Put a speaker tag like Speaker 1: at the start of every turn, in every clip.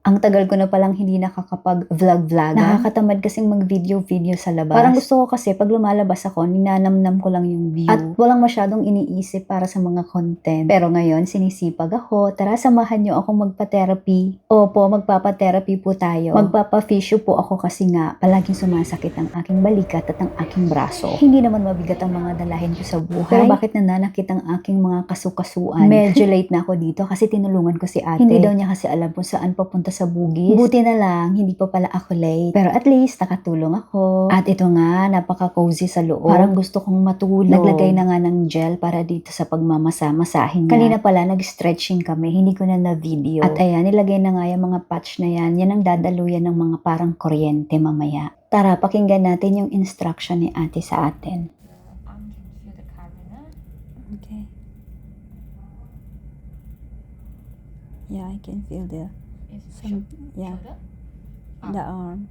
Speaker 1: Ang tagal ko na palang hindi nakakapag-vlog-vlog. Nakakatamad kasing mag-video-video sa labas. Parang gusto ko kasi pag lumalabas ako, ninanamnam ko lang yung view. At walang masyadong iniisip para sa mga content. Pero ngayon, sinisipag ako. Tara, samahan niyo ako magpa-therapy. Opo, magpapa-therapy po tayo. Magpapa-physio po ako kasi nga, palaging sumasakit ang aking balikat at ang aking braso. Hindi naman mabigat ang mga dalahin ko sa buhay. Pero bakit nananakit ang aking mga kasukasuan? Medyo late na ako dito kasi tinulungan ko si ate. Hindi daw niya kasi alam kung saan papunta sa bugis. Buti na lang, hindi pa pala ako late. Pero at least, nakatulong ako. At ito nga, napaka-cozy sa loob. Parang gusto kong matulog. Naglagay na nga ng gel para dito sa pagmamasa-masahin niya. Kanina pala, nag-stretching kami. Hindi ko na na-video. At ayan, nilagay na nga yung mga patch na yan. Yan ang dadaluyan ng mga parang kuryente mamaya. Tara, pakinggan natin yung instruction ni ate sa atin.
Speaker 2: Okay. Yeah, I can feel the yeah, the arm.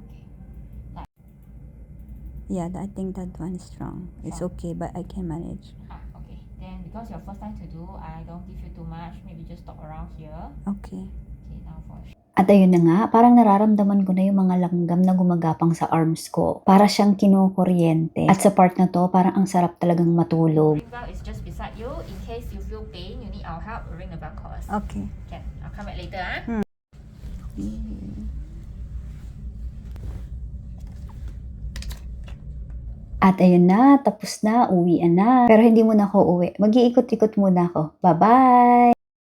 Speaker 2: Yeah, I think that one is strong. It's okay, but I can manage.
Speaker 3: Okay. Then because your first time to do, I don't give you too much. Maybe just stop around here.
Speaker 2: Okay.
Speaker 3: Okay, now for
Speaker 1: At ayun na nga, parang nararamdaman ko na yung mga langgam na gumagapang sa arms ko. Para siyang kinukuryente. At sa part na to, parang ang sarap talagang matulog.
Speaker 3: ring bell is just beside you. In case you feel pain, you need our help. Ring the bell call us.
Speaker 2: Okay.
Speaker 3: Can. I'll come back later.
Speaker 1: At ayun na, tapos na, uwian na. Pero hindi muna ako uwi. Mag-iikot-ikot muna ako. Bye-bye!